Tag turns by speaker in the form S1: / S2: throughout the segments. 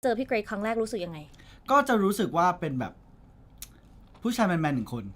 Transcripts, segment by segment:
S1: เจอพี่เกรกครั้งแรกรู้สึกยังไง
S2: ก็จะรู้สึกว่าเป็นแบบผู้ชายแมนๆหนึ่งคน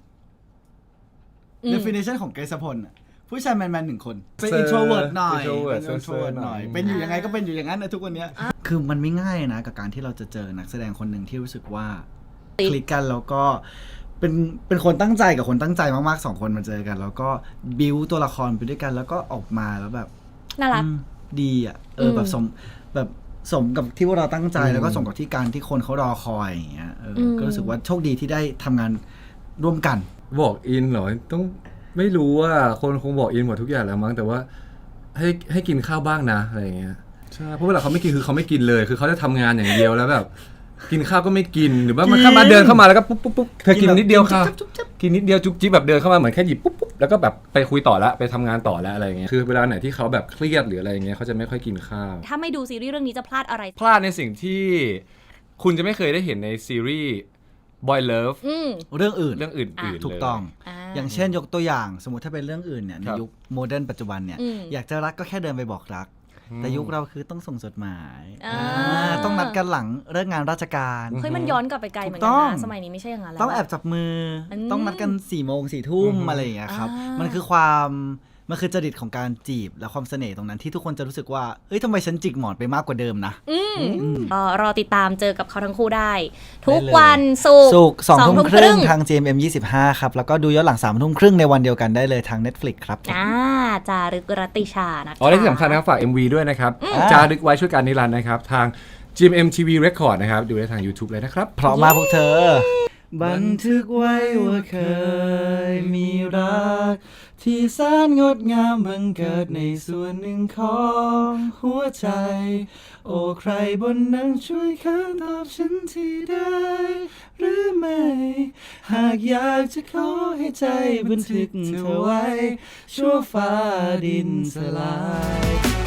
S2: definition ของเกรซพลผู้ชายแมนๆหนึ่งคนเป็น introvert หน่อยเป็น introvert หน่อยเป็นอยู่ยังไงก็เป็นอยู่อย่างนั้นในทุกวันนี้คือมันไม่ง่ายนะกับการที่เราจะเจอนักแสดงคนหนึ่งที่รู้สึกว่าคลิกกันแล้วก็เป็นคนตั้งใจกับคนตั้งใจมากๆ2คนมาเจอกันแล้วก็บิวตัวละครไปด้วยกันแล้วก็ออกมาแล้วแบบ
S1: น่ารัก
S2: ดีอ่ะแบบสมกับที่พวกเราตั้งใจแล้วก็สมกับที่การที่คนเขารอคอยอย่างเงี้ยก็รู้สึกว่าโชคดีที่ได้ทำงานร่วมกัน
S3: บอกอินเหรอต้องไม่รู้ว่าคนคงบอกอินหมดทุกอย่างแล้วมั้งแต่ว่าให้กินข้าวบ้างนะอะไรอย่างเงี้ยใช่เพราะเวลาเขาไม่กินคือเขาไม่กินเลยคือเขาจะทำงานอย่างเดียวแล้วแบบกินข้าวก็ไม่กินหรือว่ามันเข้ามาเดินเข้ามาแล้วก็ปุ๊บเธอกินนิดเดียวค่ะกินนิดเดียวจุ๊บจิ๊บแบบเดินเข้ามาเหมือนแค่หยิบปุ๊บแล้วก็แบบไปคุยต่อละไปทำงานต่อแล้วอะไรอย่างเงี้ยคือเวลาไหนที่เขาแบบเครียดหรืออะไรอย่างเงี้ยเขาจะไม่ค่อยกินข้าว
S1: ถ้าไม่ดูซีรีส์เรื่องนี้จะพลาดอะไร
S3: พลาดในสิ่งที่คุณจะไม่เคยได้เห็นในซีรีส์ Boy Love
S2: เรื่องอื่นถูกต้องอย่างเช่นยกตัวอย่างสมมติถ้าเป็นเรื่องอื่นเนี่ยในยุคโมเดิร์นปัจจุบันเนี่ยอยากจะรักก็แค่เดินไปบอกรักแต่ยุคเราคือต้องส่งจดหมายต้องนัดกันหลังเลิกงานราชการ
S1: เฮ้ยมันย้อนกลับไปไกลเหมือนกันนะสมัยนี้ไม่ใช่อย่างนั้นแล้ว
S2: ต้องแอบจับมือต้องนัดกัน4 ทุ่มอะไรอย่างเงี้ยครับมันคือจริตของการจีบและความเสน่ห์ตรงนั้นที่ทุกคนจะรู้สึกว่าเฮ้ยทำไมฉันจิกหมอนไปมากกว่าเดิมนะ
S1: รอติดตามเจอกับเขาทั้งคู่ได้ทุกวันศุกร์
S2: 2 ทุ่มครึ่งทาง GMM 25ครับแล้วก็ดูย้อนหลัง3 ทุ่มครึ่งในวันเดียวกันได้เลยทาง Netflix ครับ
S1: จารึกรัตติชานะคะ
S3: และที่สำคัญนะครับฝาก MV ด้วยนะครับจารึกไว้ช่วยการนิรันดร์นะครับทาง GMM TV Record นะครับดูได้ทาง YouTube เลยนะครับ
S2: เพราะมากพวกเธอบันทึกไว้ว่าเคยมีรักที่แสนงดงามบังเกิดในส่วนหนึ่งของหัวใจโอ้ใครบนนั้นช่วยค้านตอบฉันทีได้หรือไม่หากอยากจะขอให้ใจบันทึกเธอไว้ชั่วฟ้าดินสลาย